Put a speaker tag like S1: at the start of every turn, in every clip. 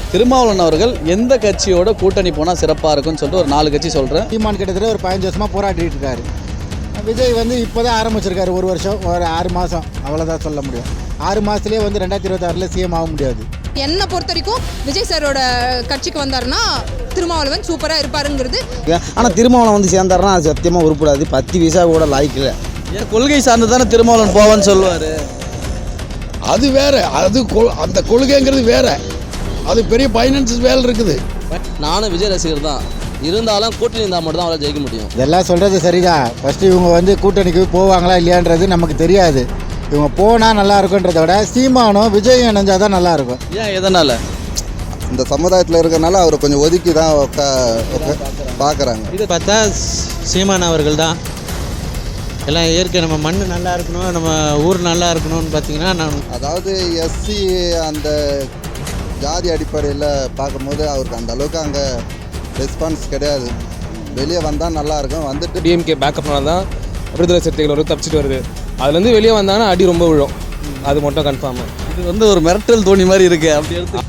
S1: திருமாவளவன் அவர்கள் எந்த கட்சியோட கூட்டணி போனால் சிறப்பாக இருக்கும்னு சொல்லிட்டு ஒரு 4 கட்சி சொல்கிறேன்.
S2: சீமான் கிட்டத்தட்ட ஒரு 15 வருஷமாக போராடிட்டு இருக்காரு. விஜய் வந்து இப்போ தான் ஆரம்பிச்சிருக்காரு, ஒரு வருஷம் ஒரு 6 மாதம் அவ்வளோதான் சொல்ல முடியும். 6 மாதத்துலேயே வந்து 2026 சிஎம் ஆக முடியாது.
S3: என்னை பொறுத்த வரைக்கும் விஜய் சாரோட கட்சிக்கு வந்தாருன்னா திருமாவளவன் சூப்பராக இருப்பாருங்கிறது.
S4: ஆனால் திருமாவளவன் வந்து சேர்ந்தாருன்னா அது சத்தியமாக உருப்படாது. 10 பைசா கூட லாய்க்கில்லை.
S1: ஏன் கொள்கை சார்ந்து தானே திருமாவளவன் போவான்னு சொல்லுவார்.
S5: அது வேற, அது அந்த கொள்கைங்கிறது வேற, அது பெரிய ஃபைனான்ஸ் வேலை இருக்குது.
S6: நானும் விஜய் ரசிகர் தான், இருந்தாலும் கூட்டணி இருந்தால் மட்டும் தான் அவரால் ஜெயிக்க முடியும்.
S2: இதெல்லாம் சொல்கிறது சரிதான். ஃபஸ்ட்டு இவங்க வந்து கூட்டணிக்கு போவாங்களா இல்லையான்றது நமக்கு தெரியாது. இவங்க போனால் நல்லா இருக்குன்றத விட சீமானும் விஜயும் இணைஞ்சால் தான் நல்லாயிருக்கும்.
S1: ஏன் எதனால்?
S4: இந்த சமுதாயத்தில் இருக்கிறனால அவர் கொஞ்சம் ஒதுக்கி தான் பார்க்குறாங்க.
S7: இது பார்த்தா சீமான் அவர்கள் தான் எல்லாம் இயற்கை. நம்ம மண் நல்லா இருக்கணும், நம்ம ஊர் நல்லா இருக்கணும்னு பார்த்தீங்கன்னா
S4: அதாவது எஸ்சி அந்த ஜாதி அடிப்படையில் பார்க்கும்போது அவருக்கு அந்த அளவுக்கு அங்கே ரெஸ்பான்ஸ் கிடையாது. வெளியே வந்தால் நல்லாயிருக்கும். வந்துட்டு
S8: டிஎம்கே பேக்கப்னால தான் விடுதலை சிறுத்தைகள் ஒரு தப்பிச்சிட்டு வருது. அதுலேருந்து வெளியே வந்தாங்கன்னா அடி ரொம்ப விழும், அது மட்டும் கன்ஃபார்மு.
S1: இது வந்து ஒரு மிரட்டல் தோணி மாதிரி இருக்குது. அப்படி எடுத்து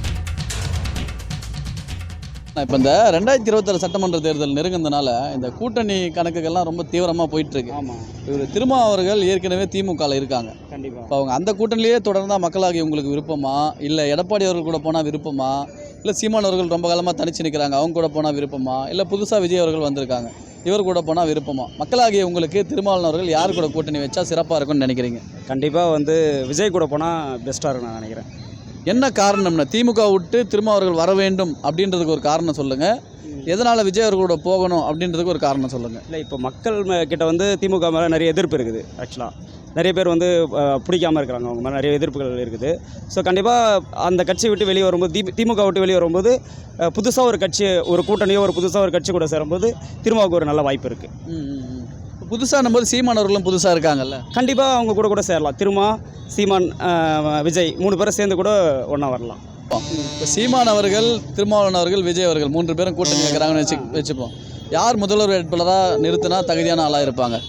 S1: இப்போ இந்த 2026 சட்டமன்ற தேர்தல் நெருங்கினதுனால இந்த கூட்டணி கணக்குகள்லாம் ரொம்ப தீவிரமாக போயிட்டுருக்கு.
S2: ஆமாம்,
S1: இவர் திருமா அவர்கள் ஏற்கனவே திமுகவில் இருக்காங்க.
S2: கண்டிப்பாக.
S1: இப்போ அவங்க அந்த கூட்டணிலேயே தொடர்ந்தால் மக்களாகி உங்களுக்கு விருப்பமா, இல்லை எடப்பாடி அவர்கள் கூட போனால் விருப்பமா, இல்லை சீமான் அவர்கள் ரொம்ப காலமாக தனிச்சு நிற்கிறாங்க அவங்க கூட போனால் விருப்பமா, இல்லை புதுசாக விஜய் அவர்கள் வந்திருக்காங்க இவர் கூட போனால் விருப்பமா? மக்களாகிய உங்களுக்கு திருமாவளவன் அவர்கள் யார் கூட கூட்டணி வச்சா சிறப்பாக இருக்கும்னு நினைக்கிறீங்க?
S9: கண்டிப்பாக வந்து விஜய் கூட போனால் பெஸ்ட்டாக இருக்கும் நான் நினைக்கிறேன்.
S1: என்ன காரணம்னா திமுக விட்டு திரும்ப அவர்கள் வர வேண்டும் அப்படின்றதுக்கு ஒரு காரணம் சொல்லுங்கள். எதனால் விஜய் அவர்களோட போகணும் அப்படின்றதுக்கு ஒரு காரணம் சொல்லுங்கள்.
S9: இல்லை, இப்போ மக்கள் கிட்ட வந்து திமுக மேலே நிறைய எதிர்ப்பு இருக்குது. ஆக்சுவலாக நிறைய பேர் வந்து பிடிக்காமல் இருக்கிறாங்க, அவங்க மேலே நிறைய எதிர்ப்புகள் இருக்குது. ஸோ கண்டிப்பாக அந்த கட்சி விட்டு வெளியே வரும்போது, திமுக விட்டு வெளியே வரும்போது புதுசாக ஒரு கட்சி, ஒரு கூட்டணியோ ஒரு புதுசாக ஒரு கட்சி கூட சேரும்போது திருமாவுக்கு ஒரு நல்ல வாய்ப்பு இருக்குது.
S1: புதுசாக நம்போது சீமான் அவர்களும் புதுசாக இருக்காங்கல்ல,
S9: கண்டிப்பாக அவங்க கூட சேரலாம். திருமா, சீமான், விஜய் 3 பேரும் சேர்ந்து கூட ஒன்றா வரலாம்.
S1: இப்போ சீமான் அவர்கள், திருமாவளவன் அவர்கள், விஜய் அவர்கள் 3 பேரும் கூட்டணி வைக்கிறாங்கன்னு வச்சுப்போம். யார் முதல்வர் வேட்பாளராக நிறுத்தினா தகுதியான ஆளாக இருப்பாங்க?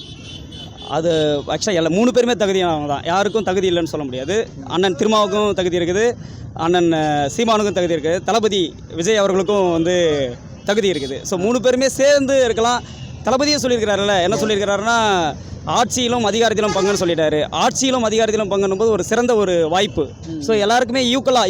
S9: அது ஆக்சுவலாக எல்லா 3 பேருமே தகுதியானவங்க தான், யாருக்கும் தகுதி இல்லைன்னு சொல்ல முடியாது. அண்ணன் திருமாவுக்கும் தகுதி இருக்குது, அண்ணன் சீமானுக்கும் தகுதி இருக்குது, தளபதி விஜய் அவர்களுக்கும் வந்து தகுதி இருக்குது. ஸோ 3 பேருமே சேர்ந்து இருக்கலாம். தளபதியே சொல்லியிருக்கிறாருல்ல, என்ன சொல்லியிருக்கிறாருன்னா ஆட்சியிலும் அதிகாரத்திலும் பங்குன்னு சொல்லிட்டாரு. ஆட்சியிலும் அதிகாரத்திலும் பங்குன்னு போது ஒரு சிறந்த ஒரு வாய்ப்பு. ஸோ எல்லாருக்குமே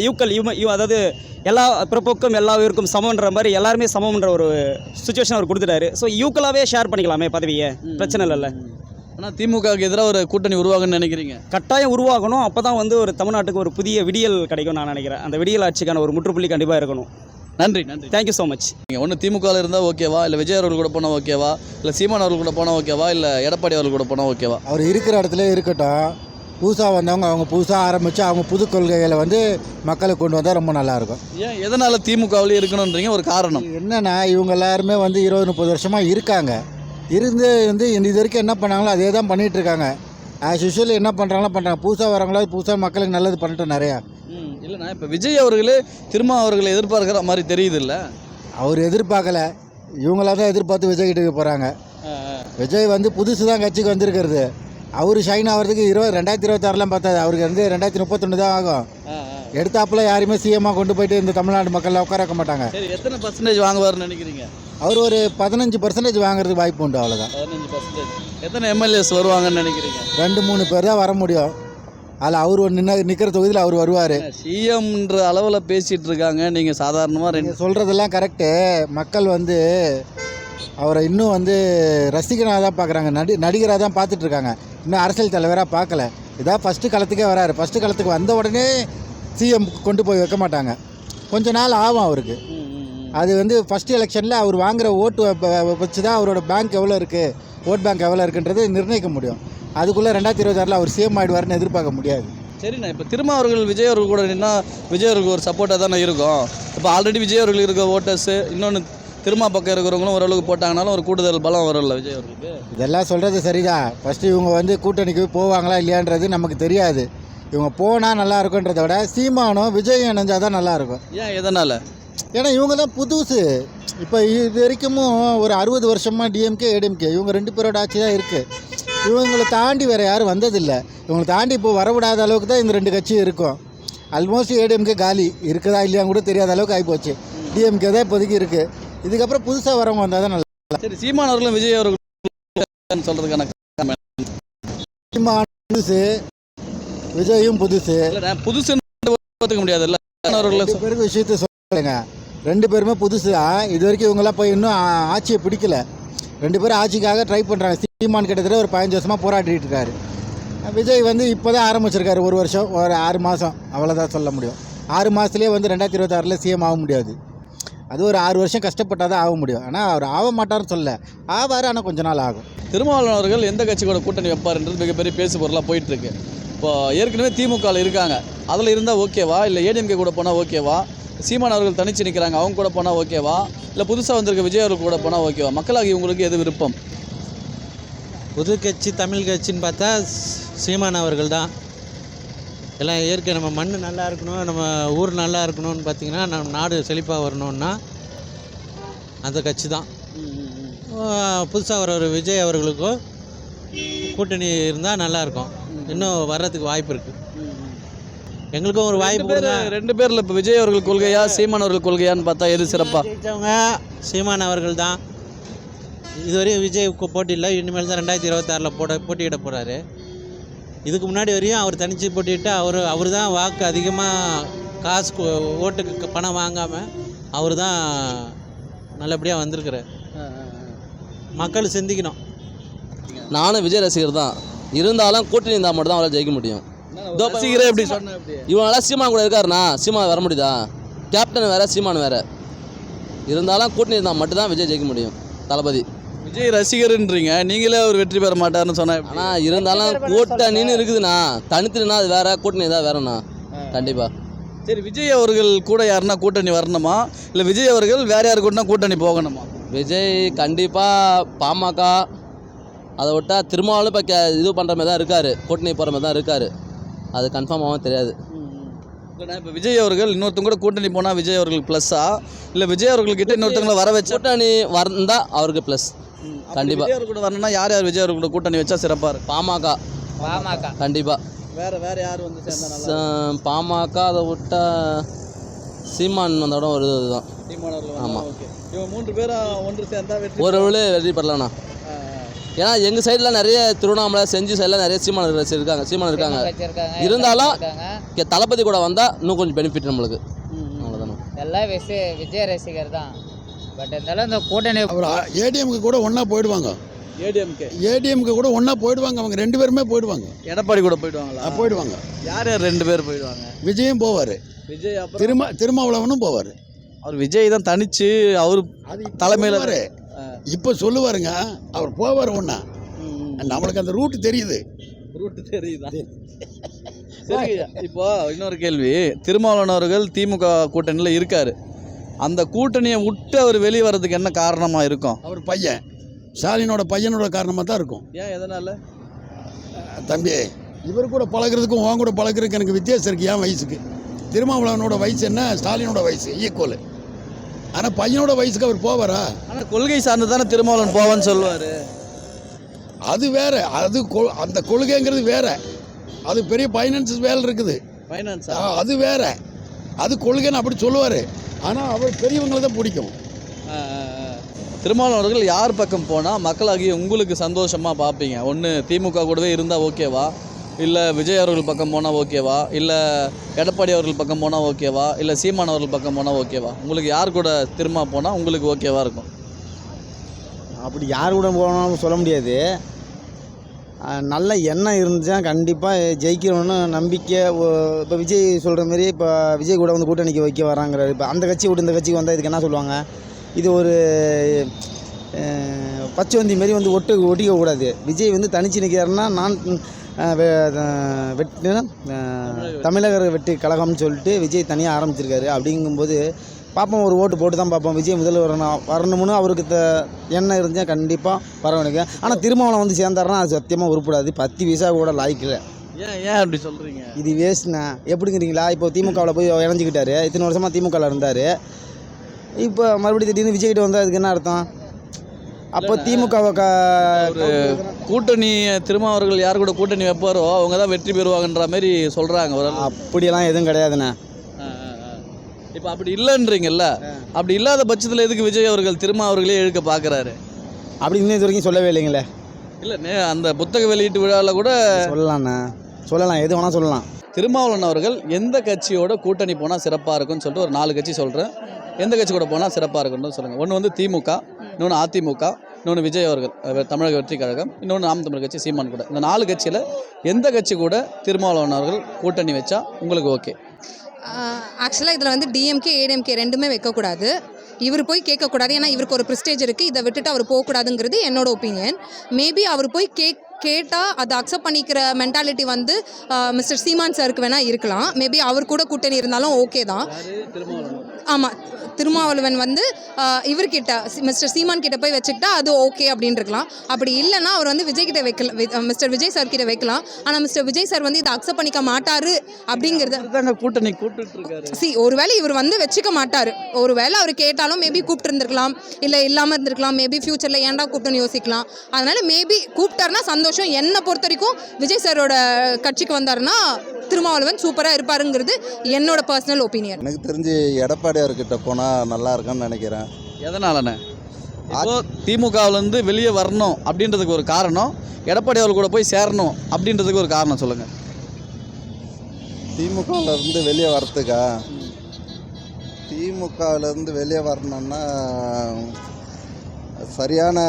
S9: அதாவது எல்லா பிறப்புக்கும் எல்லா உயிருக்கும் சமன்ற மாதிரி எல்லாருமே சமம்ன்ற ஒரு சுச்சுவேஷன் அவர் கொடுத்துட்டாரு. ஸோ ஈக்குவலாகவே ஷேர் பண்ணிக்கலாமே பதவியை, பிரச்சனை இல்லைல்ல.
S1: ஆனால் திமுகவுக்கு எதிராக ஒரு கூட்டணி உருவாகுன்னு நினைக்கிறீங்க?
S9: கட்டாயம் உருவாகணும். அப்போ தான் வந்து ஒரு தமிழ்நாட்டுக்கு ஒரு புதிய விடியல் கிடைக்கும் நான் நினைக்கிறேன். அந்த விடியல் ஆட்சிக்கான ஒரு முற்றுப்புள்ளி கண்டிப்பாக இருக்கணும்.
S1: நன்றி.
S9: Thank you so much.
S1: நீங்கள் ஒன்று திமுகவில் இருந்தால் ஓகேவா, இல்லை விஜய் அவர்கள் கூட போனால் ஓகேவா, இல்லை சீமான் அவர்கள் கூட போனால் ஓகேவா, இல்லை எடப்பாடி அவர்கள் கூட போனால் ஓகேவா?
S2: அவர் இருக்கிற இடத்துல இருக்கட்டும். புதுசாக வந்தவங்க அவங்க புதுசாக ஆரம்பித்து அவங்க புது கொள்கைகளை வந்து மக்களுக்கு கொண்டு வந்தால் ரொம்ப நல்லாயிருக்கும்.
S1: ஏன் எதனால் திமுகவிலே இருக்கணுன்றீங்க? ஒரு காரணம்
S2: என்னென்னா இவங்க எல்லாருமே வந்து 20-30 வருஷமாக இருக்காங்க. இருந்து இது வரைக்கும் என்ன பண்ணாங்களோ அதே தான் பண்ணிகிட்ருக்காங்க. ஆஸ் யூஷுவல் என்ன பண்ணுறாங்களோ பண்ணுறாங்க. புதுசாக வரவங்களா புதுசாக மக்களுக்கு நல்லது பண்ணிட்டு நிறையா.
S1: இல்லைண்ணா, இப்போ விஜய் அவர்களே திரும்ப அவர்களை எதிர்பார்க்குற மாதிரி தெரியுது இல்லை?
S2: அவர் எதிர்பார்க்கல, இவங்களா தான் எதிர்பார்த்து விஜய் கிட்டே போகிறாங்க. விஜய் வந்து புதுசு தான் கட்சிக்கு வந்திருக்கிறது. அவர் ஷைன் ஆகிறதுக்கு 2026 பார்த்தாது. அவருக்கு வந்து 2031 தான் ஆகும். எடுத்தாப்புல யாருமே சிஎம்மாக கொண்டு போயிட்டு இந்த தமிழ்நாடு மக்கள் உட்கார வைக்க மாட்டாங்க.
S1: சரி, எத்தனை பர்சன்டேஜ் வாங்குவார்னு நினைக்கிறீங்க?
S2: அவர் ஒரு 15% வாங்குறதுக்கு வாய்ப்பு உண்டு, அவ்வளோதான்.
S1: 15%. எத்தனை எம்எல்ஏஸ் வருவாங்கன்னு நினைக்கிறீங்க?
S2: 2-3 பேர் தான் வர முடியும். அதில் அவர் ஒரு நிற்கிற தொகுதியில் அவர் வருவார்.
S1: சிஎம்ன்ற அளவில் பேசிகிட்டு இருக்காங்க, நீங்கள் சாதாரணமாக
S2: நீங்கள் சொல்கிறதெல்லாம் கரெக்டு. மக்கள் வந்து அவரை இன்னும் வந்து ரசிகனாக தான் பார்க்குறாங்க, நடிகராக தான் பார்த்துட்ருக்காங்க. இன்னும் அரசியல் தலைவராக பார்க்கல. இதான் ஃபஸ்ட்டு களத்துக்கே வராரு. ஃபஸ்ட்டு களத்துக்கு வந்த உடனே சிஎம் கொண்டு போய் வைக்க மாட்டாங்க, கொஞ்ச நாள் ஆகும் அவருக்கு. அது வந்து ஃபஸ்ட்டு எலெக்ஷனில் அவர் வாங்குகிற ஓட்டு வச்சு தான் அவரோட பேங்க் எவ்வளோ இருக்குது, ஓட் பேங்க் எவ்வளோ இருக்குன்றது நிர்ணயிக்க முடியும். அதுக்குள்ளே 2026 அவர் சிஎம் ஆகிடுவார்னு எதிர்பார்க்க முடியாது.
S1: சரிண்ணா, இப்போ திரும்ப அவர்கள் விஜய் அவர்கள் கூட நின்னா விஜய் அவர்களுக்கு ஒரு சப்போர்ட்டாக தானே இருக்கும். இப்போ ஆல்ரெடி விஜய் அவர்கள் இருக்க ஓட்டர்ஸு இன்னொன்று திரும்ப பக்கம் இருக்கிறவங்களும் ஓரளவுக்கு போட்டாங்கனாலும் ஒரு கூடுதல் பலம் வரும்ல விஜய் அவர்களுக்கு.
S2: இதெல்லாம் சொல்கிறது சரிதான். ஃபஸ்ட்டு இவங்க வந்து கூட்டணிக்கு போவாங்களா இல்லையான்றது நமக்கு தெரியாது. இவங்க போனால் நல்லா இருக்குன்றத விட சீமானும் விஜயும் இணைஞ்சால் தான் நல்லாயிருக்கும்.
S1: ஏன் எதனால்?
S2: ஏன்னா இவங்க தான் புதுசு. இப்போ இது வரைக்கும் ஒரு 60 வருஷமாக டிஎம்கே ஏடிஎம்கே இவங்க 2 பேரோட ஆட்சி தான் இருக்குது. இவங்களை தாண்டி வேறு யாரும் வந்ததில்லை. இவங்களை தாண்டி இப்போ வரவிடாத அளவுக்கு தான் இந்த 2 கட்சியும் இருக்கும். ஆல்மோஸ்ட் ஏடிஎம்கே காலி இருக்குதா இல்லையான்னு கூட தெரியாத அளவுக்கு ஆகிப்போச்சு. டிஎம்கே தான் இப்போதைக்கு இருக்குது. இதுக்கப்புறம் புதுசாக வரவங்க வந்தால் தான் நல்லா.
S1: சரி, சீமான் அவர்களும் விஜய் அவர்களும் சொல்கிறதுக்கான
S2: புதுசு, விஜயும் புதுசு.
S1: புதுசுன்னு பார்த்துக்க முடியாதுல்ல அவர்களை.
S2: பேருக்கு விஷயத்த சொல்லுங்க, 2 பேருமே புதுசு. இது வரைக்கும் இவங்கெல்லாம் போய் இன்னும் ஆட்சியை பிடிக்கல. 2 பேரும் ஆட்சிக்காக ட்ரை பண்ணுறாங்க. சீமான் கிட்டத்தட்ட ஒரு 15 வருஷமாக போராடிட்டு இருக்காரு. விஜய் வந்து இப்போ தான் ஆரம்பிச்சிருக்காரு. 1 வருஷம், ஒரு 6 மாதம், அவ்வளோதான் சொல்ல முடியும். 6 மாதத்துலேயே வந்து 2026 சிஎம் ஆக முடியாது. அது ஒரு 6 வருஷம் கஷ்டப்பட்டால் தான் ஆக முடியும். ஆனால் அவர் ஆக மாட்டார்னு சொல்ல, ஆவார், ஆனால் கொஞ்ச நாள் ஆகும்.
S1: திருமாவளவன் அவர்கள் எந்த கட்சியோட கூட்டணி வைப்பார்ன்றது மிகப்பெரிய பேசு பொருளாக போயிட்டுருக்கு. இப்போ ஏற்கனவே திமுகவில் இருக்காங்க, அதில் இருந்தால் ஓகேவா, இல்லை ஏடிஎம்கே கூட போனால் ஓகேவா, சீமான் அவர்கள் தனிச்சு நிற்கிறாங்க அவங்க கூட போனால் ஓகேவா, இல்லை புதுசாக வந்திருக்க விஜய் அவர்கள் கூட போனால் ஓகேவா? மக்களாகி உங்களுக்கு எது விருப்பம்?
S7: புது கட்சி தமிழ் கட்சின்னு பார்த்தா சீமான் அவர்கள் தான். எல்லாம் இயற்கை நம்ம மண் நல்லா இருக்கணும், நம்ம ஊர் நல்லா இருக்கணும்னு பார்த்திங்கன்னா, நம்ம நாடு செழிப்பாக வரணுன்னா அந்த கட்சி தான். புதுசாக வர ஒரு விஜய் அவர்களுக்கும் கூட்டணி இருந்தால் நல்லாயிருக்கும். இன்னும் வர்றதுக்கு வாய்ப்பு இருக்குது. எங்களுக்கும் ஒரு வாய்ப்பு.
S1: 2 பேரில் இப்போ விஜய் அவர்கள் கொள்கையா சீமான் அவர்கள் கொள்கையான்னு பார்த்தா எது சிறப்பாக?
S7: ஜெயித்தவங்க சீமான் அவர்கள் தான். இதுவரையும் விஜய் போட்டியில், இனிமேல் தான் 2026 போட்டியிட போகிறாரு. இதுக்கு முன்னாடி வரையும் அவர் தனித்து போட்டிட்டு அவர் தான் வாக்கு அதிகமாக காசு ஓட்டுக்கு பணம் வாங்காமல் அவர் தான் நல்லபடியாக வந்திருக்கிறார். மக்கள் சிந்திக்கணும்.
S6: நானும் விஜய் ரசிகர் தான். இருந்தாலும் கூட்டணி இருந்தால் மட்டும் தான் அவரால் ஜெயிக்க முடியும்.
S1: ரசிகரே எப்படி சொன்னேன்?
S6: இவங்களாம் சீமான் கூட இருக்காருண்ணா, சீமான் வர முடியுதா? கேப்டன் வேறு, சீமான் வேறு. இருந்தாலும் கூட்டணி இருந்தால் மட்டும்தான் விஜய் ஜெயிக்க முடியும். தளபதி
S1: விஜய் ரசிகர்ன்றீங்க, நீங்களே அவர் வெற்றி பெற மாட்டாருன்னு சொன்னேன்.
S6: ஆனால் இருந்தாலும் கூட்டணின்னு இருக்குதுண்ணா. தனித்துனா அது வேற, கூட்டணி தான் வேறண்ணா. கண்டிப்பாக.
S1: சரி, விஜய் அவர்கள் கூட யாருன்னா கூட்டணி வரணுமா, இல்லை விஜய் அவர்கள் வேற யாரு கூடனா கூட்டணி போகணுமா?
S6: விஜய் கண்டிப்பாக பாமக, அதை விட்டால் திருமாவளவன் இப்போ இது பண்ணுற மாதிரி தான் இருக்கார், கூட்டணி போகிற மாதிரி தான் இருக்கார். அது கன்ஃபார்மாகவும் தெரியாது.
S1: இப்போ விஜய் அவர்கள் இன்னொருத்தவங்க கூட கூட்டணி போனால் விஜய் அவர்களுக்கு ப்ளஸ்ஸா, இல்லை விஜய் அவர்கள்கிட்ட இன்னொருத்தவங்களை வர வச்சு
S6: கூட்டணி வந்தால் அவருக்கு ப்ளஸ். கண்டிப்பாக
S1: விஜய் அவர்கள் கூட வரணும்னா யார் விஜய் அவர்கள் கூட கூட்டணி வச்சா சிறப்பாக இருக்கும்?
S6: பாமக கண்டிப்பாக.
S1: வேற யார் வந்து சேர்ந்தா?
S6: பாமக, அதை விட்டா சீமான் வந்தோட ஒரு இதுதான்.
S1: சீமான் அவர்கள்.
S6: ஆமாம்.
S1: ஓகே, இவங்க 3 பேரும் ஒன்று சேர்ந்தா வெற்றி
S6: ஒரு வெற்றி பெறலாண்ணா. ஏன்னா எங்கள் சைடில் நிறைய திருவண்ணாமலை செஞ்சு சைடில் நிறைய சீமான் இருக்காங்க. இருந்தாலும் தளபதி கூட வந்தால் இன்னும் கொஞ்சம் பெனிஃபிட் நம்மளுக்கு. அவ்வளோதானே.
S10: எல்லாம் விஜய் ரசிகர் தான். பட் இருந்தாலும் இந்த கூட்டணி
S5: அவர் ஏடிஎம்க்கு கூட ஒன்றா போயிடுவாங்க. ஏடிஎம்க்கு கூட ஒன்றா போயிடுவாங்க. அவங்க 2 பேருமே போயிடுவாங்க.
S1: எடப்பாடி கூட போயிடுவாங்களா?
S5: போயிடுவாங்க.
S1: யார் 2 பேர் போயிடுவாங்க?
S5: விஜயும் போவார்,
S1: விஜய்
S5: திருமாவளவனும் போவார்.
S1: அவர் விஜய் தான் தனிச்சு அவர் தலைமையில்
S5: இப்போ சொல்லுவாருங்க, அவர் போவார் ஒன்றா. நம்மளுக்கு அந்த ரூட்டு தெரியுதா?
S1: சரி, இப்போ இன்னொரு கேள்வி. திருமாவளவன் அவர்கள் திமுக கூட்டணியில் இருக்காரு. அந்த கூட்டணியை விட்டு அவர் வெளியே வர்றதுக்கு என்ன காரணமாக இருக்கும்?
S5: அவர் பையன் ஸ்டாலினோட பையனோட காரணமாக தான் இருக்கும்.
S1: ஏன், எதனால்?
S5: தம்பி, இவர் கூட பழகிறதுக்கும் உன் கூட பழகிறதுக்கு எனக்கு வித்தியாசம் இருக்குது. என் வயசுக்கு திருமாவளவனோட வயசு என்ன, ஸ்டாலினோட வயசு ஈக்குவல். ஆனால் பையனோட வயசுக்கு அவர் போவாரா?
S1: ஆனால் கொள்கை சார்ந்து தானே திருமாவளவன் போவான்னு சொல்லுவார்.
S5: அது வேற, அது அந்த கொள்கைங்கிறது வேற. அது பெரிய ஃபைனான்ஸ் வேலை இருக்குது. அது வேற, அது கொள்கைன்னு அப்படி சொல்லுவார். ஆனால் அவர் பெரியவங்களை தான் பிடிக்கும்.
S1: திருமாவளவன் அவர்கள் யார் பக்கம் போனால் மக்களாகிய உங்களுக்கு சந்தோஷமாக பார்ப்பீங்க? ஒன்று திமுக கூடவே இருந்தால் ஓகேவா, இல்லை விஜய் அவர்கள் பக்கம் போனால் ஓகேவா, இல்லை எடப்பாடி அவர்கள் பக்கம் போனால் ஓகேவா, இல்லை சீமான் அவர்கள் பக்கம் போனால் ஓகேவா? உங்களுக்கு யார் கூட திரும்ப போனால் உங்களுக்கு ஓகேவா இருக்கும்?
S11: அப்படி யார் கூட போனாலும் சொல்ல முடியாது. நல்ல எண்ணம் இருந்துச்சுன்னா கண்டிப்பாக ஜெயிக்கணும்னு நம்பிக்கை. இப்போ விஜய் சொல்கிற மாரி இப்போ விஜய் கூட வந்து கூட்டணிக்கு வைக்க வராங்கிறாரு. இப்போ அந்த கட்சி விட்டு இந்த கட்சிக்கு வந்தால் இதுக்கு என்ன சொல்லுவாங்க? இது ஒரு பச்சைவந்தி மாரி வந்து ஒட்டிக்க கூடாது. விஜய் வந்து தனிச்சு நிற்கிறாருன்னா நான் தமிழக வெற்றி கழகம்னு சொல்லிட்டு விஜய் தனியாக ஆரம்பிச்சிருக்காரு. அப்படிங்கும்போது பார்ப்போம், ஒரு ஓட்டு போட்டு தான் பார்ப்போம். விஜய் முதல்ல வரணும்னு அவருக்கு எண்ணம் இருந்தால் கண்டிப்பாக வரவனுக்கு. ஆனால் திருமாவளவன் வந்து சேர்ந்தாருன்னா அது சத்தியமாக உருப்படாது. 10 பைசா கூட லாய்க்கல.
S1: ஏன் அப்படி சொல்கிறீங்க?
S11: இது வேஸ்ட்ண்ணா. எப்படிங்கிறீங்களா? இப்போ திமுகவில் போய் இணைஞ்சிக்கிட்டாரு. இத்தனை வருஷமாக திமுகவில் இருந்தார். இப்போ மறுபடியும் திடீர்னு விஜய்கிட்ட வந்தால் அதுக்கு என்ன அர்த்தம்? அப்போ திமுகவை
S1: கூட்டணி திருமாவர்கள் யார் கூட கூட்டணி வைப்பாரோ அவங்க தான் வெற்றி பெறுவாங்கன்ற மாதிரி சொல்கிறாங்க ஒரு
S11: அப்படியெல்லாம் எதுவும் கிடையாதுண்ணே.
S1: இப்போ அப்படி இல்லைன்றீங்கல்ல, அப்படி இல்லாத பட்சத்தில் எதுக்கு விஜய் அவர்கள் திருமாவர்களே இழுக்க பார்க்குறாரு?
S11: அப்படி இன்னும் இது வரைக்கும் சொல்லவே இல்லைங்களே.
S1: இல்லை, அந்த புத்தக வெளியீட்டு விழாவில் கூட
S11: சொல்லலாண்ணே, சொல்லலாம், எது வேணால் சொல்லலாம்.
S1: திருமாவளவன் அவர்கள் எந்த கட்சியோட கூட்டணி போனால் சிறப்பாக இருக்கும்னு சொல்லிட்டு ஒரு 4 கட்சி சொல்கிறேன். எந்த கட்சி கூட போனால் சிறப்பாக இருக்குன்னு சொல்லுங்கள். ஒன்று வந்து திமுக, இன்னொன்று அதிமுக, இன்னொன்று விஜய் அவர்கள் தமிழக வெற்றி கழகம், இன்னொன்று நாம் தமிழ் கட்சி சீமான் கூட. இந்த 4 கட்சியில் எந்த கட்சி கூட திருமாவளவன் அவர்கள் கூட்டணி வச்சா உங்களுக்கு ஓகே?
S3: ஆக்சுவலாக இதில் வந்து டிஎம்கே ஏடிஎம்கே ரெண்டுமே வைக்கக்கூடாது. இவர் போய் கேட்கக்கூடாது. ஏன்னா இவருக்கு ஒரு ப்ரெஸ்டேஜ் இருக்குது. இதை விட்டுட்டு அவர் போகக்கூடாதுங்கிறது என்னோட ஒப்பீனியன். மேபி அவர் போய் கேட்டால் அதை அக்செப்ட் பண்ணிக்கிற மென்டாலிட்டி வந்து மிஸ்டர் சீமான் சாருக்கு வேணால் இருக்கலாம். மேபி அவர் கூட கூட்டணி இருந்தாலும் ஓகே தான். ஆமாம், திருமாவளவன் வந்து இவர்கிட்ட மிஸ்டர் சீமான் கிட்ட போய் வச்சுக்கிட்டா அது ஓகே அப்படின்னு இருக்கலாம். அப்படி இல்லைன்னா அவர் வந்து விஜய் கிட்ட வைக்கலாம், மிஸ்டர் விஜய் சார் கிட்ட வைக்கலாம். ஆனால் மிஸ்டர் விஜய் சார் வந்து இதை அக்செப்ட் பண்ணிக்க மாட்டாரு அப்படிங்கிறது
S1: கூட்டணி கூப்பிட்டு
S3: ஒருவேளை இவர் வந்து வச்சுக்க மாட்டார். ஒருவேளை அவர் கேட்டாலும் மேபி கூப்பிட்டு இருந்திருக்கலாம், இல்லை இல்லாமல் இருந்திருக்கலாம். மேபி ஃபியூச்சரில் ஏன்டா கூப்பிட்டுன்னு யோசிக்கலாம். அதனால் மேபி கூப்பிட்டாருன்னா சந்தோஷம். என்னை பொறுத்த வரைக்கும் விஜய் சாரோட கட்சிக்கு வந்தாருன்னா திருமாவளவன் சூப்பராக இருப்பாருங்கிறது என்னோட பர்சனல் ஒப்பீனியன்.
S4: எனக்கு தெரிஞ்சு எடப்பாடியார்கிட்ட போனால் நல்லா இருக்குன்னு நினைக்கிறேன்.
S1: எதனாலண்ணே? இப்போ திமுகவிலேருந்து வெளியே வரணும் அப்படின்றதுக்கு ஒரு காரணம், எடப்பாடி அவர்கள் கூட போய் சேரணும் அப்படின்றதுக்கு ஒரு காரணம் சொல்லுங்கள்.
S4: திமுகவிலேருந்து வெளியே வரத்துக்கா? திமுகவிலேருந்து வெளியே வரணுன்னா சரியான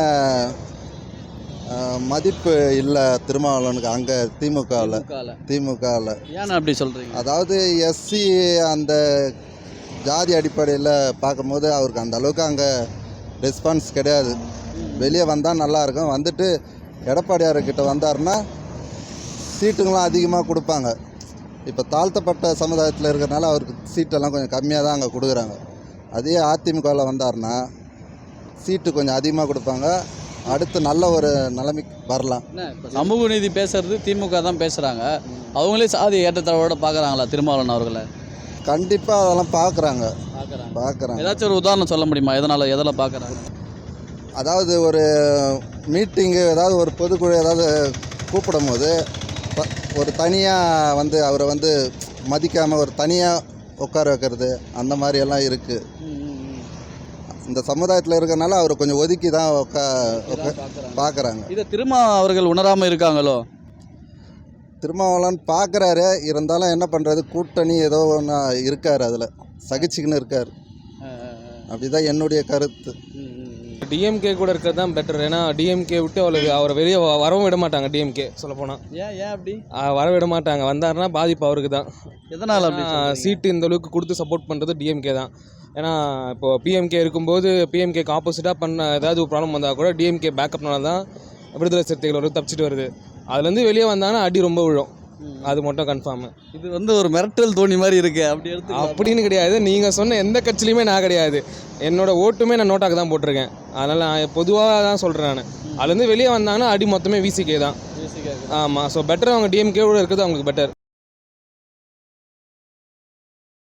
S4: மதிப்பு இல்லை திருமாவளவனுக்கு அங்கே திமுகவில்.
S1: ஏன்னா அப்படி சொல்கிறீங்க?
S4: அதாவது எஸ்சி அந்த ஜாதி அடிப்படையில் பார்க்கும்போது அவருக்கு அந்த அளவுக்கு அங்கே ரெஸ்பான்ஸ் கிடையாது. வெளியே வந்தால் நல்லாயிருக்கும். வந்துட்டு எடப்பாடியார்கிட்ட வந்தாருன்னா சீட்டுங்களாம் அதிகமாக கொடுப்பாங்க. இப்போ தாழ்த்தப்பட்ட சமுதாயத்தில் இருக்கிறனால அவருக்கு சீட்டெல்லாம் கொஞ்சம் கம்மியாக தான் அங்கே கொடுக்குறாங்க. அதே அதிமுகவில் வந்தாருன்னா சீட்டு கொஞ்சம் அதிகமாக கொடுப்பாங்க. அடுத்து நல்ல ஒரு நிலைமைக்கு வரலாம்.
S1: சமூக நீதி பேசுறது திமுக தான் பேசுகிறாங்க. அவங்களே சாதி ஏற்றத்தாழ்வோட பார்க்குறாங்களா திருமாவளவன் அவர்களை?
S4: கண்டிப்பாக அதெல்லாம் பார்க்குறாங்க.
S1: ஏதாச்சும் ஒரு உதாரணம் சொல்ல முடியுமா? எதில் பார்க்குறாங்க?
S4: அதாவது ஒரு மீட்டிங்கு, ஏதாவது ஒரு பொதுக்குழு ஏதாவது கூப்பிடும் போது ஒரு தனியாக வந்து அவரை வந்து மதிக்காமல் ஒரு தனியாக உட்கார வைக்கிறது, அந்த மாதிரியெல்லாம் இருக்குது. இந்த சமுதாயத்தில் இருக்கிறனால அவர் கொஞ்சம் ஒதுக்கி தான் பார்க்குறாங்க.
S1: இதை திருமா அவர்கள் உணராமல் இருக்காங்களோ?
S4: திருமாவளவன் பார்க்குறாரு, இருந்தாலும் என்ன பண்ணுறது, கூட்டணி ஏதோ ஒன்று இருக்கார், அதில் சகிச்சுக்கின்னு இருக்கார். அப்படிதான் என்னுடைய கருத்து.
S8: டிஎம்கே கூட இருக்கிறது தான் பெட்டர். ஏன்னா டிஎம்கே விட்டு அவரை வெளியே வரவும் விட மாட்டாங்க. டிஎம்கே சொல்லப்போனால்
S1: ஏன் அப்படி
S8: வர விட மாட்டாங்க. வந்தாருன்னா பாதிப்பு அவருக்கு தான்.
S1: எதனால் அப்படி?
S8: சீட்டு இந்த அளவுக்கு கொடுத்து சப்போர்ட் பண்ணுறது டிஎம்கே தான். ஏன்னா இப்போது பிஎம்கே இருக்கும்போது பிஎம்கேக்கு ஆப்போசிட்டாக பண்ண ஏதாவது ஒரு ப்ராப்ளம் வந்தால் கூட டிஎம்கே பேக்கப்னால தான் விடுதலை சிறுத்தைகள் ஒரு தப்பிச்சிட்டு வருது. அதுலேருந்து வெளியே வந்தாங்கன்னா அடி ரொம்ப விழும். அது மட்டும் கன்ஃபார்மு.
S1: இது வந்து ஒரு மிரட்டல் தோணி மாதிரி இருக்கு.
S8: அப்படின்னு கிடையாது. நீங்கள் சொன்ன எந்த கட்சியிலையுமே நான் கிடையாது. என்னோட ஓட்டுமே நான் நோட்டாக்கு தான் போட்டிருக்கேன். அதனால் நான் பொதுவாக தான் சொல்கிறேன். நான் அதுலேருந்து வெளியே வந்தாங்கன்னா அடி மொத்தமே விசிகே தான். ஆமாம். ஸோ பெட்டர் அவங்க டிஎம்கே கூட இருக்கிறது அவங்களுக்கு பெட்டர்.